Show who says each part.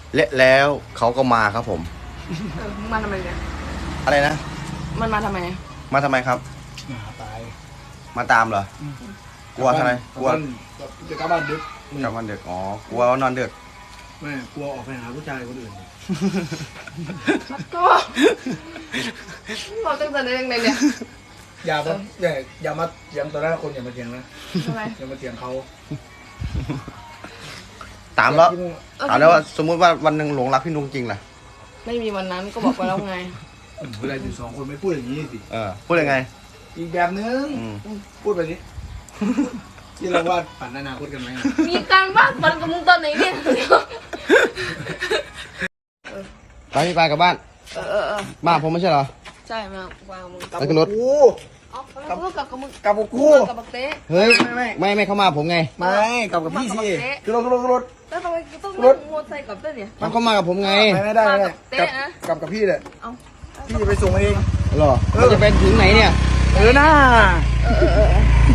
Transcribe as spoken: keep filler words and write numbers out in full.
Speaker 1: และแล้วเขาก็มาครับผม
Speaker 2: เออมึงมาทำไมเนี่ย
Speaker 1: อะไรนะ
Speaker 2: มันมาทำไม
Speaker 1: มาทำไมครับ
Speaker 3: หาตาย
Speaker 1: มาตามเหรอ กลัวทำไมกลัว
Speaker 3: จะกลับบ้านดึก
Speaker 1: กลับวันดึกอ๋อกลัวว่านอนดึก
Speaker 3: แม่กลัวออกไปหาผู้ชายคนอื่น
Speaker 2: ก็บอกตั้งแต่ไหนยังไงเนี่ย
Speaker 3: อย่ามาอย่าอย่ามาเถียงต่อหน้าคนอย่ามาเถียงนะ
Speaker 2: ทำไม
Speaker 3: อย่ามาเถียงเขา
Speaker 1: ตามแล้ว
Speaker 2: เออ
Speaker 1: ถามแล้วว่าสมมุติว่าวันหนึ่งหลงรักพี่นุ้งจริงล่ะ
Speaker 2: ไม่มีวันนั้นก็บอกไปแล้วไง
Speaker 3: เวลาอยู่สองคนไม่พูดอย่างนี้สิ
Speaker 1: เออพูดยังไง
Speaker 3: อีกแบบนึง
Speaker 1: อืม
Speaker 3: พูดไปสิที่เราวาดฝันอนาคตกันไหม
Speaker 2: มีการบ้านฝันกับมึงตอนไหนเนี่ย
Speaker 1: ไปพี่ไปกลับบ้าน
Speaker 2: เออเออเออ
Speaker 1: มาผมไม่ใช่เหรอ
Speaker 2: ใช่มาวางมึง
Speaker 1: แล้วก็รถ
Speaker 3: กู
Speaker 2: เอาไปแล้วกลับกับมึง
Speaker 3: กลับกับกู
Speaker 2: กับบักเต้
Speaker 1: เฮ้ย
Speaker 3: ไม่
Speaker 1: ไม่ ไม่เข้ามาผมไง
Speaker 3: ไม่กลับกับพี่สิคือรถคือรถคือรถ
Speaker 2: แล้วทำไมต้องนั่งมอเตอร์ไซค์กับเต้เนี่ย
Speaker 1: มันเข้ามากับผมไง
Speaker 3: ไม่ไม่ได้ไม่ได้
Speaker 2: มากับเต๊ะ
Speaker 3: กลับ
Speaker 2: นะ
Speaker 3: กลับกับพี่เลย
Speaker 2: เอา
Speaker 3: พี่จะไปส่งเอง
Speaker 1: เหรอมันจะเป็นถึงไหนเนี่ย
Speaker 3: เออหน้า
Speaker 2: เออเออเออ